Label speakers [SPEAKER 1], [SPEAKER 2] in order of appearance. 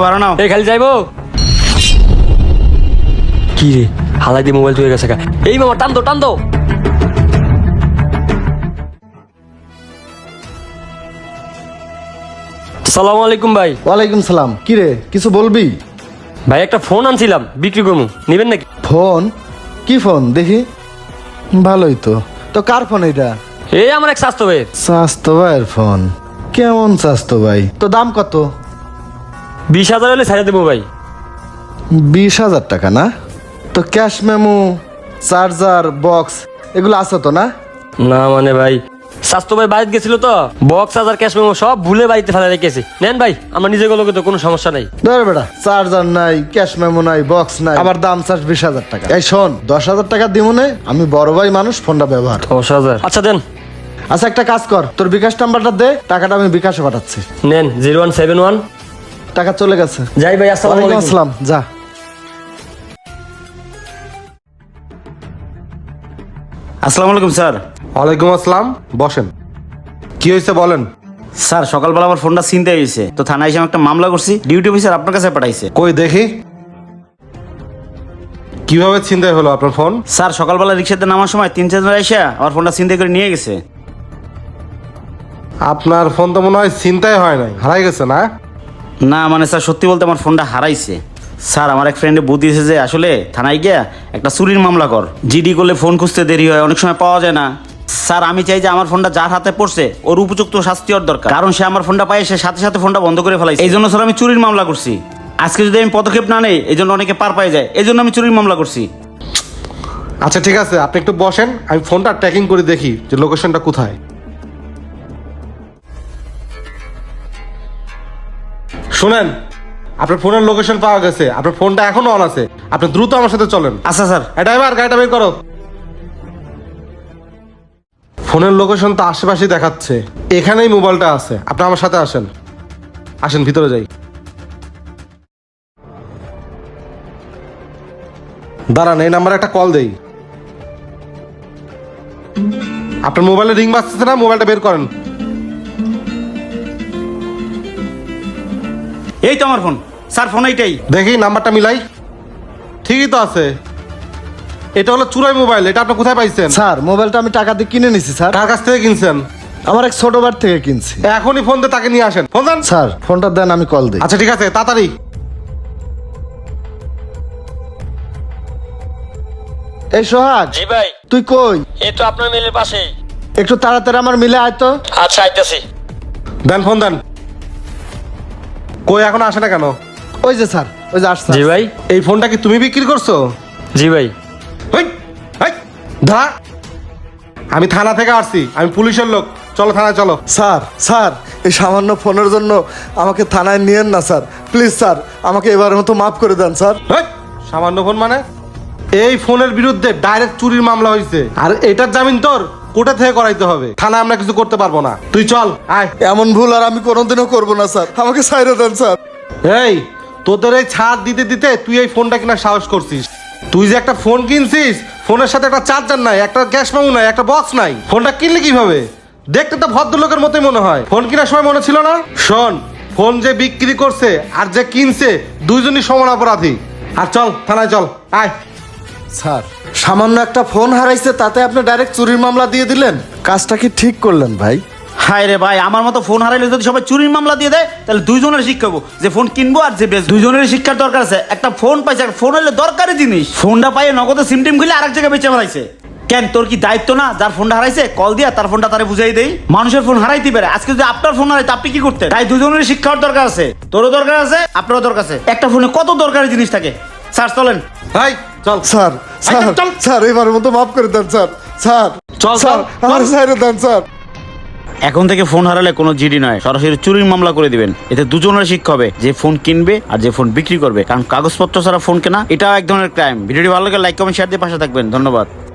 [SPEAKER 1] ভাড়া নাও।
[SPEAKER 2] এই খালি যাইবো কি রে হালাই দিয়ে মোবাইল চুয়ে গেছে গা। এই মামা টান দো সালাম আলাইকুম ভাই।
[SPEAKER 3] ওয়ালাইকুম সালাম। কি রে কিছু বলবি?
[SPEAKER 2] ভাই একটা ফোন আনছিলাম বিক্রি করবো, নিবেন নাকি?
[SPEAKER 3] ফোন? কি ফোন দেখি? ভালোই তো। তো কার ফোন এটা?
[SPEAKER 2] এই আমার এক স্বাস্থ্য ভাইয়ের।
[SPEAKER 3] স্বাস্থ্য ভাইয়ের ফোন? কেমন স্বাস্থ্য ভাই? তো দাম কত?
[SPEAKER 2] 20,000 হলে ছাড়া দেবো ভাই।
[SPEAKER 3] 20,000 টাকা না? তো ক্যাশ মেমো, চার্জার, বক্স এগুলো আছে তো না?
[SPEAKER 2] না মানে ভাই স্বাস্থ্য ভাই বাড়িতে গেছিল তো, বক্স আর ক্যাশ মেমো সব ভুলে বাড়িতে ফেলা রেখেছি। নেন ভাই, আমার নিজের লোকে তো কোনো সমস্যা নাই।
[SPEAKER 3] ধর বেটা, চার্জার নাই, ক্যাশ মেমো নাই, বক্স নাই, আবার দাম চার্জ 20,000 টাকা। এই শোন, 10,000 টাকা দিমুনে, আমি বড় ভাই মানুষ, ফোনটা ব্যবহার।
[SPEAKER 2] 10,000 আচ্ছা দেন।
[SPEAKER 3] আচ্ছা একটা কাজ কর, তোর বিকাশ নাম্বারটা দে, টাকাটা আমি বিকাশে পাঠাচ্ছি।
[SPEAKER 2] নেন 0171।
[SPEAKER 3] টাকা চলে গেছে।
[SPEAKER 2] যাই ভাই, আসসালামু
[SPEAKER 3] ওয়ালাইকুম
[SPEAKER 2] আলাইকুম।
[SPEAKER 3] আসসালাম। যা।
[SPEAKER 1] আসসালামু আলাইকুম স্যার।
[SPEAKER 4] ওয়ালাইকুম আসসালাম, বসেন। কি হয়েছে বলেন।
[SPEAKER 1] স্যার সকালবেলা আমার ফোনটা ছিনতাই হয়েছে, তো থানায় এসে আমি একটা মামলা করছি, ডিউটি অফিসার আপনার কাছে পাঠাইছে।
[SPEAKER 4] কই দেখি কিভাবে ছিনতাই হলো আপনার ফোন।
[SPEAKER 1] স্যার সকালবেলা রিক্সাতে নামার সময় 3-4 এসে আমার ফোনটা ছিনতাই করে নিয়ে গেছে।
[SPEAKER 4] আপনার ফোন তো মনে হয় ছিনতাই হয় নাই, হারাই গেছে না?
[SPEAKER 1] না মানে স্যার সত্যি বলতে আমার ফোনটা হারাইছে। স্যার আমার এক ফ্রেন্ডে বুদ্ধি দিয়েছে যে আসলে থানায় গিয়া একটা চুরির মামলা কর, জিডি করলে ফোন খুঁজতে দেরি হয়, অনেক সময় পাওয়া যায় না। স্যার আমি চাই যে আমার ফোনটা যার হাতে পড়ছে ওর উপযুক্ত শাস্তি হওয়ার দরকার, কারণ সে আমার ফোনটা পায় সে সাথে সাথে ফোনটা বন্ধ করে ফেলাইছে। এই জন্য স্যার আমি চুরির মামলা করছি। আজকে যদি আমি পদক্ষেপ না নেই এই জন্য অনেকে পার পাই যায়, এই জন্য আমি চুরির মামলা করছি।
[SPEAKER 4] আচ্ছা ঠিক আছে, আপনি একটু বসেন, আমি ফোনটা ট্র্যাকিং করে দেখি যে লোকেশনটা কোথায়। শুনেন, আপনার ফোনের লোকেশন পাওয়া গেছে, আপনার ফোনটা এখনো অন আছে, আপনি দ্রুত আমার সাথে চলেন।
[SPEAKER 1] আচ্ছা স্যার।
[SPEAKER 4] ড্রাইভার গাড়িটা বের করো। ফোনের লোকেশন তো আশেপাশেই দেখাচ্ছে, এখানেই মোবাইলটা আছে, আপনি আমার সাথে আসেন। আসেন ভিতরে যাই। দাঁড়ান, এই নাম্বারে একটা কল দেই। আপনার মোবাইলে রিং বাজতেছে না? মোবাইলটা বের করেন।
[SPEAKER 1] এই তো আমার ফোন স্যার, ফোন এইটাই।
[SPEAKER 4] দেখি নাম্বারটা মিলাই, ঠিকই তো আছে। এটা হলো চুরাই মোবাইল, এটা আপনি কোথায় পাইছেন?
[SPEAKER 3] স্যার মোবাইলটা আমি টাকা দিয়ে কিনে নিছি স্যার।
[SPEAKER 4] কার কাছ থেকে কিনছেন?
[SPEAKER 3] আমার এক ছোট বার থেকে কিনছি।
[SPEAKER 4] এখনই ফোন দিয়ে তাকে নিয়ে আসেন। ফোন দেন।
[SPEAKER 3] স্যার ফোনটা দেন, আমি কল দিই।
[SPEAKER 4] আচ্ছা ঠিক আছে, তাড়াতাড়ি।
[SPEAKER 3] এই সোহাগ,
[SPEAKER 2] জি ভাই।
[SPEAKER 3] তুই কই?
[SPEAKER 2] এই তো আপনার মেলের পাশেই।
[SPEAKER 3] একটু তাড়াতাড়ি আমার মিলে আয় তো।
[SPEAKER 2] আচ্ছা আইতাছি।
[SPEAKER 4] দেন ফোন দেন। কই এখন আসে না কেন?
[SPEAKER 3] ওই যে স্যার, ওই যে আসছে।
[SPEAKER 2] জি ভাই।
[SPEAKER 4] এই ফোনটা কি তুমি বিক্রি করছো?
[SPEAKER 2] জি ভাই।
[SPEAKER 4] হেই, হেই, ধরা। আমি থানা থেকে আসছি, আমি পুলিশের লোক, চলো থানায় চলো।
[SPEAKER 3] স্যার স্যার, এই সামান্য ফোনের জন্য আমাকে থানায় নিয়েন না স্যার, প্লিজ স্যার, আমাকে এবারের মতো মাফ করে দেন স্যার।
[SPEAKER 4] হেই, সামান্য ফোন মানে? এই ফোনের বিরুদ্ধে ডাইরেক্ট চুরির মামলা হয়েছে, আর এটার জামিন তোর কোর্টে থেকে করাইতে হবে। থানায় আমরা কিছু করতে পারবো না, তুই চল আয়।
[SPEAKER 3] এমন ভুল আর আমি কোনোদিনও করবো না স্যার, আমাকে ছাইড়ে দেন স্যার।
[SPEAKER 4] এই তোদের এই ছাড় দিতে দিতে তুই এই ফোনটা কিনা সাহস করছিস? তুই যে একটা ফোন কিনছিস, ফোনের সাথে একটা চার্জার নাই, একটা ক্যাশ মেমো নাই, একটা বক্স নাই, ফোনটা কিনলে কিভাবে? দেখতে তো ভদ্রলোকের মতোই মনে হয়। ফোন কেনার সময় মনে ছিল না? শোন, ফোন যে বিক্রি করছে আর যে কিনছে দুইজনই সমান অপরাধী। আর চল থানায় চল, আয়।
[SPEAKER 3] স্যার সামান্য একটা ফোন হারাইছে, তাতে আপনি ডাইরেক্ট চুরির মামলা দিয়ে দিলেন, কাজটা কি ঠিক করলেন ভাই?
[SPEAKER 1] হায় রে ভাই, আমার মতো ফোন হারাইলে যদি সবাই চুরির মামলা দিয়ে দেয় তাহলে দুইজনের শিক্ষা হবো, যে ফোন কিনবো আর যে বেচবো। দুইজনের শিক্ষার দরকার আছে। একটা ফোন পাইছে, একটা ফোন হলে দরকারি জিনিস। ফোনটা পাইয়ে নগদে সিম টিম খুলে আরেক জায়গায় বেচে ফেলাইছে। কেন তোর কি দায়িত্ব না যার ফোনটা হারাইছে কল দিয়া তার ফোনটা তারে বুঝাই দেই? মানুষের ফোন হারাইতে পারে, আজকে যদি আপনার ফোন হারাইতে আপনি কি করতেন? তাই দুজনের শিক্ষার দরকার আছে, তোরও দরকার আছে, আপনারও দরকার আছে। একটা ফোনে কত দরকারি জিনিস থাকে। স্যার চলেন।
[SPEAKER 4] হাই চল।
[SPEAKER 3] স্যার স্যার
[SPEAKER 4] চল।
[SPEAKER 3] স্যার, এবারের মতো মাফ করে দেন স্যার। স্যার
[SPEAKER 1] চল,
[SPEAKER 3] স্যার,
[SPEAKER 1] চল,
[SPEAKER 3] আমার
[SPEAKER 1] চল।
[SPEAKER 3] ছাইড়ে দেন স্যার।
[SPEAKER 1] এখন থেকে ফোন হারালে কোনো জিডি নয়, সরাসরি চুরির মামলা করে দিবেন। এতে দুজনের শিক্ষা হবে, যে ফোন কিনবে আর যে ফোন বিক্রি করবে, কারণ কাগজপত্র ছাড়া ফোন কেনা এটাও এক ধরনের ক্রাইম। ভিডিওটি ভালো লাগে লাইক কমেন্ট শেয়ার দিয়ে পাশে থাকবেন। ধন্যবাদ।